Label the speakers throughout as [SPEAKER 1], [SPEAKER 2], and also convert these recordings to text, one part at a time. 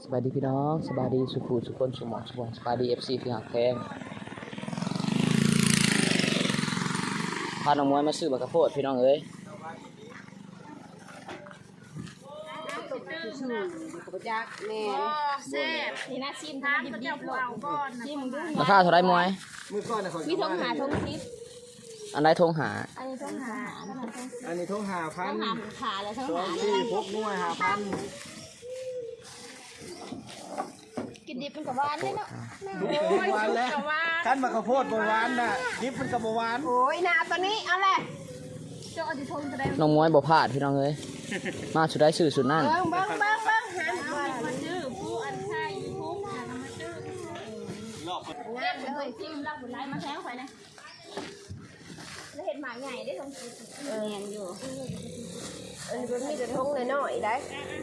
[SPEAKER 1] สบายดีพี่น้องสบายดีสุขุสุขคนสุขหมองสุขสบายดีFCพี่หักแพงพาน้องมวยมาซื้อบักกะโพดพี่น้องเอ้ย
[SPEAKER 2] แซ่บนี่นะชิมทานดิบๆเลยชิมดู
[SPEAKER 1] ราคาเท่าไรมวย
[SPEAKER 2] มีทงหาทงทิพ
[SPEAKER 1] อันใดทงหา
[SPEAKER 2] อันนี้ทงหา
[SPEAKER 3] อันนี้ทงหาพั
[SPEAKER 2] ท
[SPEAKER 3] น
[SPEAKER 2] งหาขาแล้วทง
[SPEAKER 3] สอ
[SPEAKER 2] หาง
[SPEAKER 3] สี่พกนัวหาพัน
[SPEAKER 2] กินดิบเป็นกับหวานเลยเนาะ
[SPEAKER 3] ทุกเป็นหวานแล้วขั้นมะข้าวโพดบหวานน่ะดิบมันกับบหวาน
[SPEAKER 2] โอ้ยนาตัวนี้เอาแหละเจ้าอดิทงจะได้
[SPEAKER 1] น้องมวยบ่พลาดพี่น้องเอ้ยมาสุดได้ซื้อสุดนั่น
[SPEAKER 2] เบิ้งหามาชื่อผู้อันใช่ผู้มาชื่องามเลยชิมเราผลไม้มาแท้งไปนะแล้วเห็ดหมาใหญ่ได้ทงเงียนอยู่อันนี้มีแต่ทงน้อยๆได้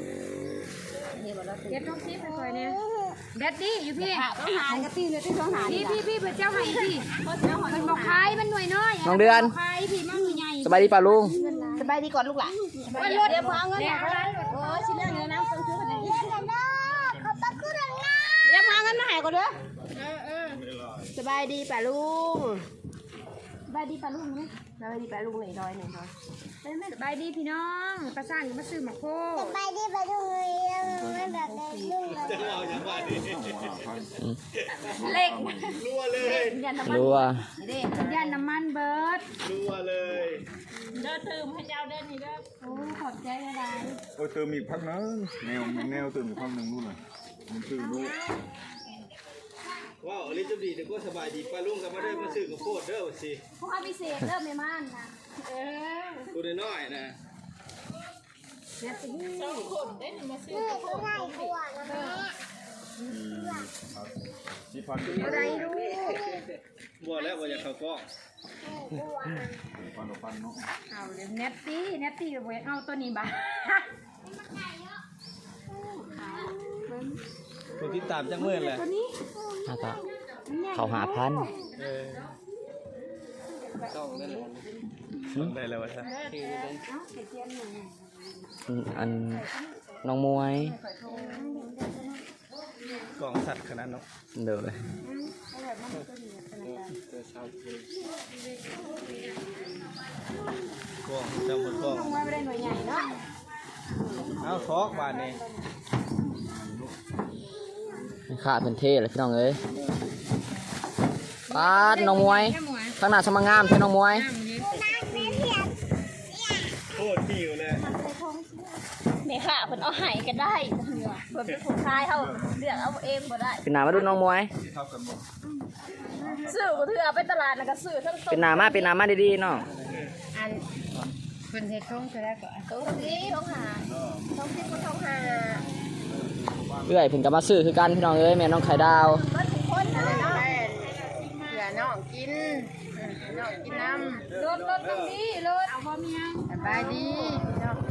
[SPEAKER 2] เก็บทงทิพย์ไปคอยเนี่ยเด็ดดิอยู่พี่ต้องหากระตีเลยที่ต้องหาพี่เป็นเจ้าไห้พี่มันบอกคายมันหน่วยน้อย
[SPEAKER 1] น้องเดือน
[SPEAKER 2] คายพี่มันใหญ่
[SPEAKER 1] สบายดีป่ะลุง
[SPEAKER 2] สบายดีก่อนลูกหลานวันรถเดี๋ยวพอเงินมาโอ้ชิ้นเรื่องเงินนะต้องซื้อกันเดี๋ยวพอเงินมาหายก่อนเด้อสบายดีป่ะลุงสบายดีป่ะลุงไหมสบายดีป่ะลุงหนึ่งร้อยสบายดีพี่น้องประสานมาซื้อหมักโค
[SPEAKER 4] ไปที่ไปดูเลยไม่แบบเดินเลย
[SPEAKER 2] เล็ก
[SPEAKER 3] นัวเลย
[SPEAKER 2] ยันน้ำมัน
[SPEAKER 1] รัว
[SPEAKER 2] ยันน้ำมันเบิร์ด
[SPEAKER 3] นัวเลย
[SPEAKER 2] เด้อตื่มให้เจ้าเด้อนี่เด้อโอ้ขอบใจอะไร
[SPEAKER 5] โอ้ยเติมอีกพักนึงแนวเติมอีกพักนึงนู่นน่ะมันคือนู่น
[SPEAKER 3] ว้าวอลิจดีแต่ก็สบายดีป้าลุงกับมาได้มาซื้อข้าวโพดเด้อสิ
[SPEAKER 2] พวกพิเศษเริ่มไม่ม่านนะ
[SPEAKER 3] ตัวน้อยๆนะ
[SPEAKER 2] เนี่ยสิสองคนได้หนึ่งมาซื้อ
[SPEAKER 4] เขาง่ายกว่านะแม่
[SPEAKER 5] ที่พัน
[SPEAKER 2] อะไรรู้
[SPEAKER 3] บัวแล้วบัวอยากเข้ากล้อง
[SPEAKER 5] พันเนาะ
[SPEAKER 2] เอาเดี๋ยวเน็ตตี้กับเวเอาตัวนี้บ้า
[SPEAKER 3] ตัวที่ตามจังเมื่อเลย
[SPEAKER 2] ตัวนี้
[SPEAKER 1] น่าจะเขาหาพัน
[SPEAKER 3] ต้องนั่นต้องได้แล้ววะท่าน
[SPEAKER 1] อันน้องมวย
[SPEAKER 3] กล่องสัตว์ขนาดเนาะ
[SPEAKER 1] เด้อเลย
[SPEAKER 3] กล่องจำหมดกล่อง
[SPEAKER 2] ลงมาไม่ได้หน่วยใหญ่เนาะ
[SPEAKER 3] เอาทอกบานนี่
[SPEAKER 1] ค่าเป็นเท่เลยพี่น้องเอ้ยป้าดน้องมวยข้างหน้าสมังงามใช่น้องมวย
[SPEAKER 3] โคตรหิวเลย
[SPEAKER 2] เมค่ะเพิ่นเอาไห้ก็ได้เพิ่นเป็นผู้ชายเขาเลือกเอาเองบ่ได้
[SPEAKER 1] เป็นหนามาดูน้องมวย
[SPEAKER 5] เท่ากันหมด
[SPEAKER 2] ซื้อก็ถือเอาไปตลาดแล้วก็ซื้อทั้งต้
[SPEAKER 1] เป็นหนามาดีๆน้อง
[SPEAKER 2] อันเพิ่นเฮ็ดทงจะได้ก่อนทงนี้ทงหาทงที่ก็ทงหา
[SPEAKER 1] เอื้อยเพิ่นก็มาซื้อคือกันพี่น้องเอ้ยแม่น้องไข่ดาว
[SPEAKER 2] มันทุกคนนะเนาะเผื่อน้องกินน้องกินน้ำรถตรงนี้รถเอาบ่มียังสบายดีเนาะ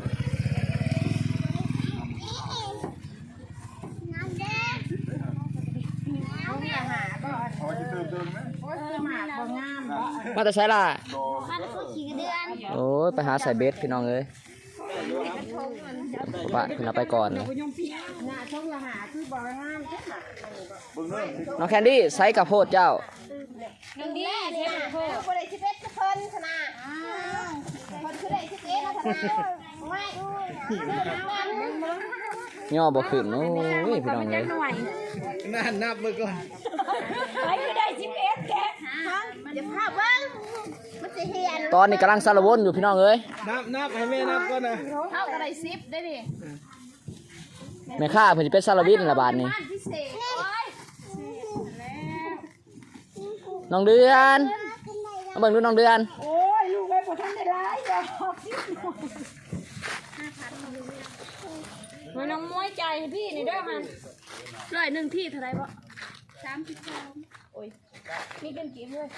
[SPEAKER 4] น้ำเด็ก
[SPEAKER 2] เอาเนี่ยหาบ่
[SPEAKER 5] พอจะเติมไหม
[SPEAKER 2] โอ้ยหมาบ่งามบ่
[SPEAKER 1] มาแต่ใช้ล่ะ
[SPEAKER 4] มันก็ขี่เดือน
[SPEAKER 1] โอ้ยไปหาใส่เบสพี่น้องเอ้ยปะขึ้นเอาไปก่อนเลย
[SPEAKER 2] หน้าทงละหาคือบ่งามเด้อค่ะ
[SPEAKER 5] เบิ่งเด้อ
[SPEAKER 1] น้องแคนดี้ไซส์กับโพดเจ้า
[SPEAKER 2] นึงดีเทปโค
[SPEAKER 4] คนไหนที่เป็ดเพิ่นขนาดคนคือไหนที่เป็ดนะขนาดไม่
[SPEAKER 1] ย่อบ่ขึ้นโอ้ยพี่น้องเอ้ย
[SPEAKER 3] นั่นนับมือก่อน
[SPEAKER 2] ไปคือได้11แก
[SPEAKER 4] อย่าพาเบิ้งมันจะเหียน
[SPEAKER 1] ตอนนี้กำลังสารวนอยู่พี่น้องเอ้ย
[SPEAKER 3] นับให้แม่นับก่อนนะ
[SPEAKER 2] เท่ากับได้10ได้ดิ
[SPEAKER 1] แม่ค้าเพิ่นสิเป็นสารวินละบาทนี้
[SPEAKER 2] พิเศษโอ้ย
[SPEAKER 1] น้องเดือนมาเบิ่งดูน้องเดือน
[SPEAKER 2] โอ้ยลูกไปบ่ทันได้หลายดอกมันน้องมวยใจให้พี่นี่เด้อมัน100ที่เท่าไหร่บ่32โอ้ยมีเป็นกี่เลย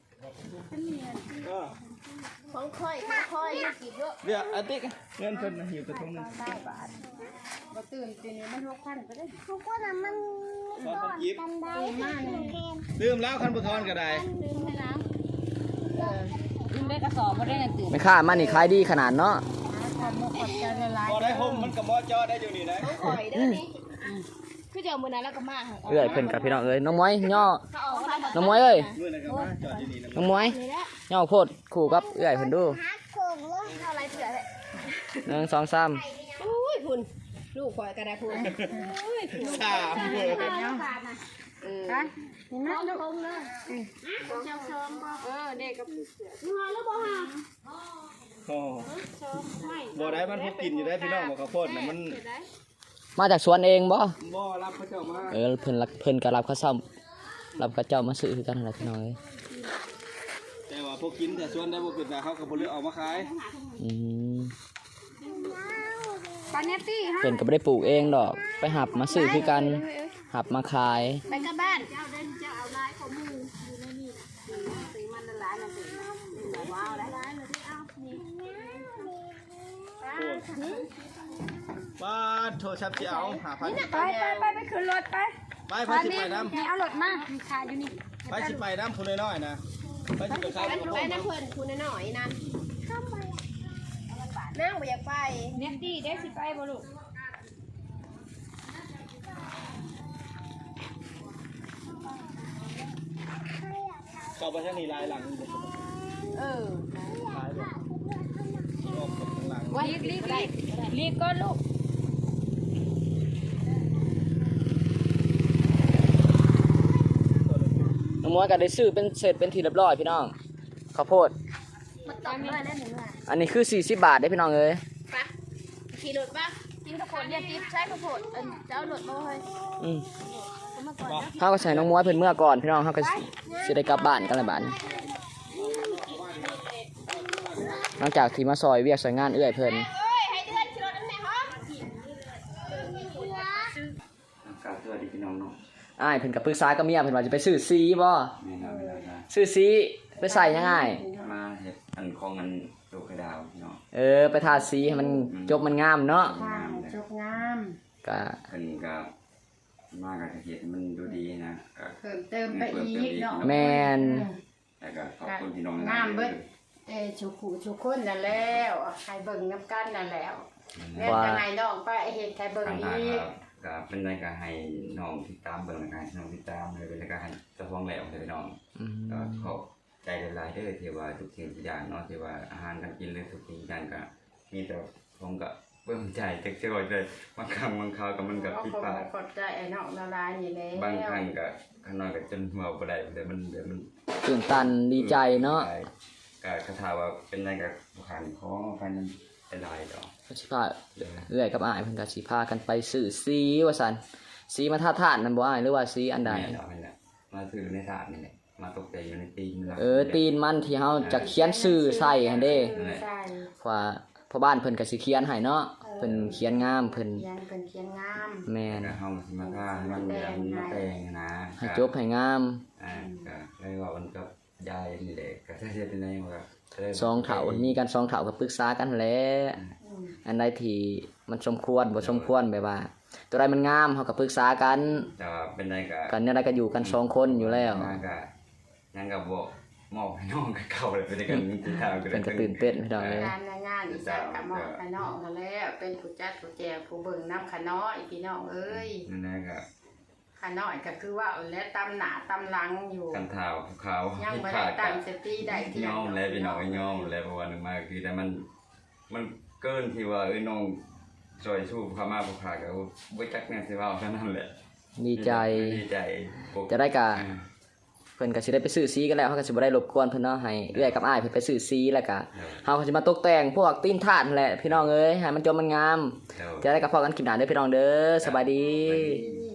[SPEAKER 4] ของค่อยกี่เยอะ
[SPEAKER 3] เดี๋ยวอาติ๊กเงินเพิ่นนะหิวกระทงนึง
[SPEAKER 2] บ่ตื่นตีนี้มัน6,000ก็ได้
[SPEAKER 4] ทุกคนมัน
[SPEAKER 3] ขอต้องยิบ
[SPEAKER 4] กันได้เค็ม
[SPEAKER 3] ลืมแล้วคันบุทอนก็ได้
[SPEAKER 2] ลืมให้แล้วลืมได้กระสอบบ่ได้นั่นตื่น
[SPEAKER 1] แม่ค้ามันนี่ขายดีขนาดเนาะ
[SPEAKER 2] ขอบใจละลาย
[SPEAKER 3] พอได้ห่มมันกับมอจอได้อยู่นี่นะ
[SPEAKER 4] ข่อยเด้อนี่
[SPEAKER 2] คือเจอมื้อนั้นแล้วก็มา
[SPEAKER 1] เอื้อยเพิ่นกับพี่น้องเอ้ยน้องมวยย่อ
[SPEAKER 2] เขาออกมา
[SPEAKER 1] น้องมวยเอ้ย
[SPEAKER 3] มื้อนั้นก็มาจอดที่นี่นะ
[SPEAKER 1] น้องมวยย่อโพดคู่กับเอื้อยเพิ่นดู
[SPEAKER 2] เท่าไรเถื่อเลย
[SPEAKER 1] 1 2 3
[SPEAKER 4] อุ้ยคุณลูกข่อยก็ได้คุณ
[SPEAKER 3] สาม
[SPEAKER 2] ฮะนี่นะลูกคงเลยเจ้าชมบ่เด็กกับงอแล้วบ่ฮะ
[SPEAKER 3] โอ้บ่ได้มันพกกินอยู่ได้พี่น้องบอกข้าวโพดน่ะมัน
[SPEAKER 1] มาจากสวนเองบ่
[SPEAKER 3] บ่รับเขาเจ้ามา
[SPEAKER 1] เพิ่นก็รับเขาซ้ำรับเขาเจ้ามาซื้อคือกันนั่นแหละพี่น้องเอ้ย
[SPEAKER 3] แต่ว่าพวกกินแต่ส่วนได้บ่เป็นแต่เขาก็บ่เลือกเอามาขาย
[SPEAKER 1] อืม
[SPEAKER 2] ปาเนตตี้ฮะ
[SPEAKER 1] เพิ่นก็บ่ได้ปลูกเองดอกไปหับมาซื้อคือกันหับมาขาย
[SPEAKER 2] ไปกับบ้านเจ้าเดินเจ้าเอาลายของมืออยู่ในนี่นะสีมันละลายนะสิว้าวละลายเลยที่เอานี่
[SPEAKER 3] ป้าโทรศัพท์สิเอา5,000
[SPEAKER 2] ไปขึ้นรถไป
[SPEAKER 3] ไปสิไปนำ
[SPEAKER 2] นี่เอารถมามีขายอยู่นี่
[SPEAKER 3] ไปสิไปนำผู้น้อยๆนะไปสิไปขายข้าวโพ
[SPEAKER 4] ไป
[SPEAKER 3] ด
[SPEAKER 4] นะเพื่อนคุณหน่อยนะนั่งบ่อยากไป
[SPEAKER 2] เนตตี้ได้สิไปบ่ลูก
[SPEAKER 3] เข้าไปทางนี้ลายหลังนี่บ่
[SPEAKER 4] เออ
[SPEAKER 3] ขายบ่ออกข้างหลัง
[SPEAKER 2] รีบก็ลูก
[SPEAKER 1] น้องมวยก็ได้ซื้อเป็นเสร็จเป็นที่เรียบร้อยพี่น้องข้าวโพด
[SPEAKER 2] มันต้องเลยได้หนึ่ง
[SPEAKER 1] อันนี้คือ40บาทได้พี่น้องเอ้ย
[SPEAKER 2] ปะขี่รถปะกินข้าวโพดเรียนติ๊บใช้ข้าวโพดเจ้ารถมาเฮ้ย
[SPEAKER 1] อืม
[SPEAKER 2] มาก่อนนะ
[SPEAKER 1] เฮาก็ใส่น้องมวยเพิ่นเมื่อก่อนพี่น้องเฮาก็สิได้กลับบ้านกันแล้วบัดนี้หลังจากที่มาซอยเวียกซอยงานเอื้อยเพิ่น
[SPEAKER 2] เอ้ยให้เดือนขี่รถนั่นแหละฮะ
[SPEAKER 6] สวัสดีพี่น้องเนาะ
[SPEAKER 1] อ้ายเพิ่นก็ปรึกษากับเมียเพิ่นว่าจะไปซื้อซีบ่
[SPEAKER 6] แม่น้องเวลานะ
[SPEAKER 1] ซื้อซีไปใส่ยังไง
[SPEAKER 6] มาเฮ็ดอันของอันลูกกระดาวเนาะ
[SPEAKER 1] ไปทาสีให้มันจบมันงามเนาะ
[SPEAKER 4] จบงาม
[SPEAKER 1] ก็
[SPEAKER 6] เพิ่นก็มากับเฮ็ดให้มันดูดีนะก็
[SPEAKER 4] เพิ่มเติมไปอีกเนาะ
[SPEAKER 1] แม่น
[SPEAKER 6] แล้วก็ขอบคุณพี่น้อง
[SPEAKER 4] งามเบิดชุกขู่ชุกคนนั่นแล้วใครเบิ่งน้ำกันนั่นแล้วแล้วจะให้น้องไปเฮ็ดใครเบิ่ง
[SPEAKER 6] ทาง
[SPEAKER 4] อีก
[SPEAKER 6] ก็เป็นรายการให้น้องติดตามเบิ่งรายการน้องติดตามเลยเป็นรายการให้เจ้าของแล้วพี่น้อง
[SPEAKER 1] อืม
[SPEAKER 6] ก็ขอบใจหลายๆเด้อที่ว่าทุกสิ่งทุกอย่างเนาะที่ว่าอาหารการกินหรือทุกสิ่งทุกอย่างก็มีแต่ผมก็เบิ่งใจจักจะว่าเลยบางครั้งบางคราวก็มันก็ผิดพลาด
[SPEAKER 4] ขอบใจไอ้น้องละลายนี่แล้ว
[SPEAKER 6] บางครั้งก็ข้างนอกก็จนหัวบ่ได้เดี๋ยวมัน
[SPEAKER 1] ตื่นตันดีใจเนาะ
[SPEAKER 6] ก็คาถาว่าเป็นอะไรกับขันของพันเป็นลายดอก
[SPEAKER 1] ก็สิพาเอื้อยกับอ้ายเพิ่นก็สิพากันไปซื้อสีว่าซั่นสีมาทาทานนั่นบ่อ้ายหรือว่าสีอันใด
[SPEAKER 6] ดอกนี่แหละมาถือในถาดนี่แหละมาตกแต่งอยู่ในตีน
[SPEAKER 1] ตีนมันที่เฮาจะเขียนชื่อใส่หั่นเด้
[SPEAKER 4] ใช่
[SPEAKER 1] เพราะว่าพ่อบ้านเพิ่นก็สิเขียนให้เนาะเพิ่นเขียนงามเพิ่น
[SPEAKER 4] เขียนเป็นเขียนงาม
[SPEAKER 1] แม่น
[SPEAKER 6] ก็เฮามาท่ามันแบบมาแต่งนะ
[SPEAKER 1] ให้จบให้งาม
[SPEAKER 6] ก็เลยว่ามันก็ยายนี่แหละก็ถ้าจะเป็นอะไรมันก็
[SPEAKER 1] สองเฒ่ามีกัน2เฒ่าก็ปรึกษากันแหละอันใดที่มันสมควรบ่สมควรแบบว่า ตัวใดมันงามเฮาก็ปรึกษากัน
[SPEAKER 6] แต่ว่าเป็นอะไรก็
[SPEAKER 1] กันเนี่ยใดก็อยู่กัน2คนอยู่แล้ว
[SPEAKER 6] ยังก็บ่มอบให้น้องกับเขาเลยเป็นกันที่ทาง
[SPEAKER 1] เพิ่นก็ตื่นเต้นพี่น้องเอ้ย
[SPEAKER 4] การงานอีสักกับหมอขน้องนั่นแหละเป็นผู้จัดผู้แจกผู้เบิ่งน้ำขน้อยพี่น้องเอ้ย
[SPEAKER 6] นั่นแหละก็
[SPEAKER 4] ขน้อยก็คือว่าและตำหนาตำหลังอยู่
[SPEAKER 6] กันเท้าขาว
[SPEAKER 4] ยัง
[SPEAKER 6] ที่
[SPEAKER 4] ไม่
[SPEAKER 6] ขา
[SPEAKER 4] ได้
[SPEAKER 6] ด
[SPEAKER 4] ตั้
[SPEAKER 6] กั
[SPEAKER 4] งสติได้เที่ย
[SPEAKER 6] ย่อมแล้วพี่น้องย่อมแล้วเพราะว่าหนึ่งมาคือแต่มันเกินที่ว่าน้องจอยชูพามาผู้ขาก็บ่จักแม่นสิว่าเท่านั้นแหละ
[SPEAKER 1] ดีใจ
[SPEAKER 6] ดีใจ
[SPEAKER 1] จะได้กะ เพิ่นก็สิได้ไปซื้อสีกันแล้วเฮาก็สิบ่ได้รบกวนเพิ่นเนาะให้เอื้อยกับอ้ายเพิ่นไปซื้อสีแล้วก็เฮาก็สิมาตกแต่งพวกตีนถาดนั่นแหละพี่น้องเอ้ยให้มันจบมันงาม จะได้กับพอกันคลิปหน้าเด้อพี่น้องเด้อสบายดี
[SPEAKER 6] ดี